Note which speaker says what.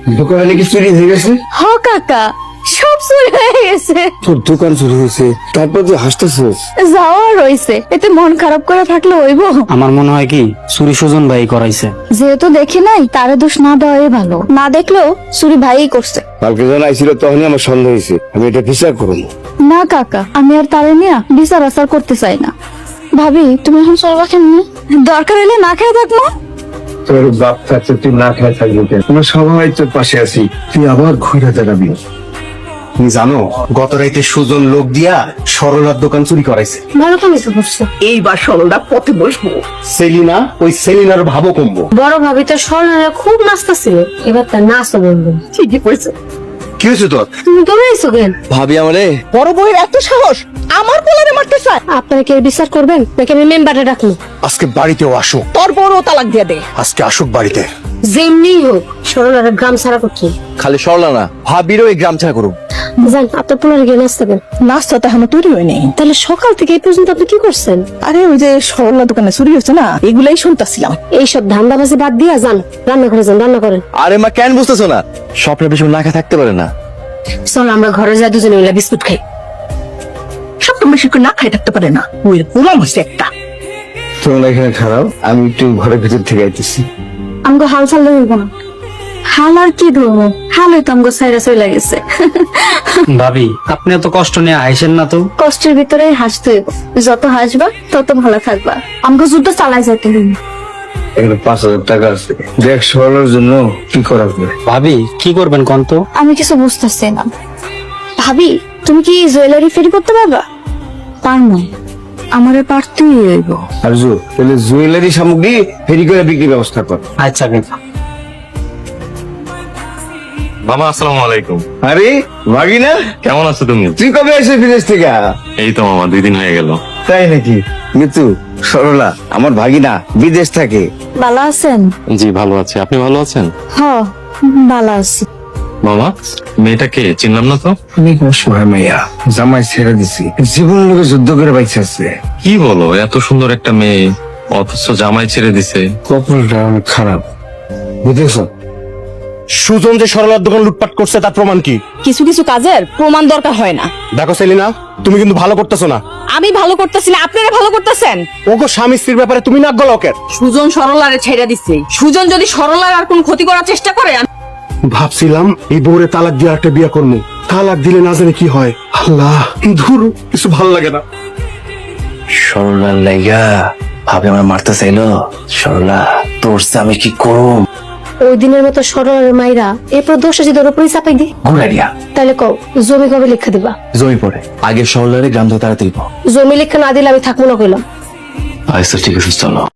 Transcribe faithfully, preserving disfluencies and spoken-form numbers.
Speaker 1: দোকানে কি চুরি হয়ে গেছে?
Speaker 2: হ কাকা, সব চুরি হয়ে গেছে।
Speaker 1: তোর দোকান চুরি হয়েছে, তারপর তুই হাসতেছিস?
Speaker 2: যাওয়া রয়েছে, এতে মন খারাপ করে থাকলে হইব?
Speaker 3: আমার মনে হয় কি চুরি সুজন ভাই করাইছে।
Speaker 2: যেহেতু দেখি নাই, তারে দোষ না দেওয়াই ভালো। না দেখলেও চুরি ভাইই করছে।
Speaker 1: কালকে যখন আইছিল তখনই আমার সন্দেহ হয়েছে, আমি এটা বিচার করবো।
Speaker 2: না কাকা, আমি আর তারে নিয়ে বিচার আচার করতে চাই না। ভাবি, তুমি এখন চলবা কেমনি? দরকার হলে না খেয়ে থাকবো।
Speaker 1: তোর বাপ থাকতে তুই না খেয়ে থাকবি কেন? আমরা সবাই তোর পাশে আছি, তুই আবার ঘুরে দাঁড়াবি।
Speaker 4: তুমি জানো গত রাইতে সুজন লোক দিয়া সরলার দোকান চুরি করাইছে।
Speaker 2: ভালো কামিজ করছে।
Speaker 5: এইবার সরলটা পথে বসবো।
Speaker 4: সেলিনা, ওই সেলিনার ভাবো কমবো।
Speaker 2: বড় ভাবি তো স্বর্ণারা খুব নাচতা ছিল, এবার তার নাচও বলবো।
Speaker 5: ঠিকই কইছে।
Speaker 4: কি হয়েছে তোর?
Speaker 2: তুমি দৌড়াইছো কেন?
Speaker 4: ভাবি আমারে
Speaker 5: বড় বউয়ের এত সাহস, আমার পোলারে মারতে চায়।
Speaker 2: আপনারা কি বিচার করবেন নাকি আমি মেম্বারে ডাকবো?
Speaker 4: আজকে বাড়িতেও আসুক,
Speaker 5: তোর বড় তালাক দিয়ে দে।
Speaker 4: আজকে আসুক বাড়িতে।
Speaker 2: যেমনি হোক স্বর্ণারা গ্রাম ছাড়া করছি।
Speaker 4: খালি সরলা না, ভাবিরও এই গ্রাম ছাড়া করুক।
Speaker 2: যান, আপনার পোলারে গিয়ে নাচতে দেন।
Speaker 5: নাস্তা তো এখনো তৈরি হয়নি।
Speaker 2: তাহলে সকাল থেকে এই পর্যন্ত আপনি কি করছেন?
Speaker 5: আরে ওই যে সরলা দোকানে চুরি হয়েছে না, এগুলাই শুনতাছিলাম।
Speaker 2: এইসব ধান্দাবাজি বাদ দিয়া যান, রান্না করে যান, রান্না করেন।
Speaker 4: আরে মা কেন বুঝতেছো না? স্বপ্নের বেশি না খেয়ে থাকতে পারে না।
Speaker 2: চল আমরা ঘরে যাই, দুজনে মিলে বিস্কুট খাই।
Speaker 5: সপ্তম বেশি করে না খাই থাকতে পারে না, ওই পোলাম হয়েছে একটা।
Speaker 1: তোমরা এখানে খারাপ, আমি একটু ঘরের ভিতর থেকে আইতেছি।
Speaker 2: আমগো হাল চাল ধরবো না। হাল আর কি ধরবো? হাল হয়তো আমগো সাইরা চলে গেছে।
Speaker 3: ভাবি, আপনি এত কষ্ট নিয়ে আইসেন না তো।
Speaker 2: কষ্টের ভিতরে হাসতে হইব, যত হাসবা তত ভালো থাকবা। আমগো যুদ্ধ চালাই যাইতে হইব।
Speaker 1: এখানে পাঁচ হাজার টাকা আছে, দেখ সরলার জন্য কি করা যায়।
Speaker 3: ভাবি কি করবেন কোন তো?
Speaker 2: আমি কিছু বুঝতেছি না। ভাবি, তুমি কি জুয়েলারি ফেরি করতে পারবা? পারবো, আমারে পারতেই হইব।
Speaker 1: আর জু তাহলে জুয়েলারি সামগ্রী ফেরি করে বিক্রির ব্যবস্থা কর।
Speaker 3: আচ্ছা কাকা।
Speaker 6: মামা আসসালামু আলাইকুম।
Speaker 1: আরে ভাগিনা,
Speaker 6: কেমন আছো তুমি?
Speaker 1: তুই কবে এসে বিদেশ থেকে?
Speaker 6: এই তো মামা, দুই দিন হয়ে গেল।
Speaker 1: তাই নাকি? কিন্তু সরলা আমার ভাগিনা বিদেশ থাকে।
Speaker 2: ভালো আছেন?
Speaker 6: জি ভালো আছি, আপনি ভালো আছেন?
Speaker 2: হ, ভালো আছি।
Speaker 6: মামা, মেয়েটাকে চিনলাম না তো।
Speaker 1: অনেক অসহায় মাইয়া, জামাই ছেড়ে দিছি, জীবন লোকে যুদ্ধ করে বাইচে আছে।
Speaker 6: কি বলো, এত সুন্দর একটা মেয়ে অথচ জামাই ছেড়ে দিছে।
Speaker 1: কপালটা অনেক খারাপ, বুঝেছ?
Speaker 4: সুজন যে সরলার দোকান লুটপাট করছে তার প্রমাণ কি?
Speaker 5: কিছু কিছু কাজের প্রমাণ দরকার হয় না।
Speaker 4: দেখো সেলিনা, তুমি কিন্তু ভালো করতেছো না।
Speaker 5: আমি ভালো করতেছি না, আপনারা ভালো করতেছেন।
Speaker 4: ওগো স্বামী স্ত্রীর ব্যাপারে তুমি নাক গলাও।
Speaker 5: সুজন সরলারে ছেড়ে দিচ্ছে। সুজন যদি সরলার আর কোন ক্ষতি করার চেষ্টা করে, আমি
Speaker 4: ভাবছিলাম এই বউরে তালাক দিয়ে একটা বিয়ে করবো, তালাক দিলে না জানি কি হয়। আল্লাহ, ধুর, কিছু ভাল লাগে না।
Speaker 7: সরলার লাইগা ভাবে আমার মারতে চাইলো। সরলা তোর আমি কি করুম?
Speaker 2: ওই দিনের মতো সরলের মাইরা এরপর দোষটা যদি ওর উপরই চাপাই দি,
Speaker 7: ঘুরাইয়া
Speaker 2: তাহলে কও জমি কবে লেখা দিবা?
Speaker 7: জমি পড়ে আগে সরলারে গ্রাম থেকে তাড়াতে দিব।
Speaker 2: জমি লেখা না দিলে আমি থাকবো না কইলাম।
Speaker 7: আচ্ছা ঠিক আছে, চলো।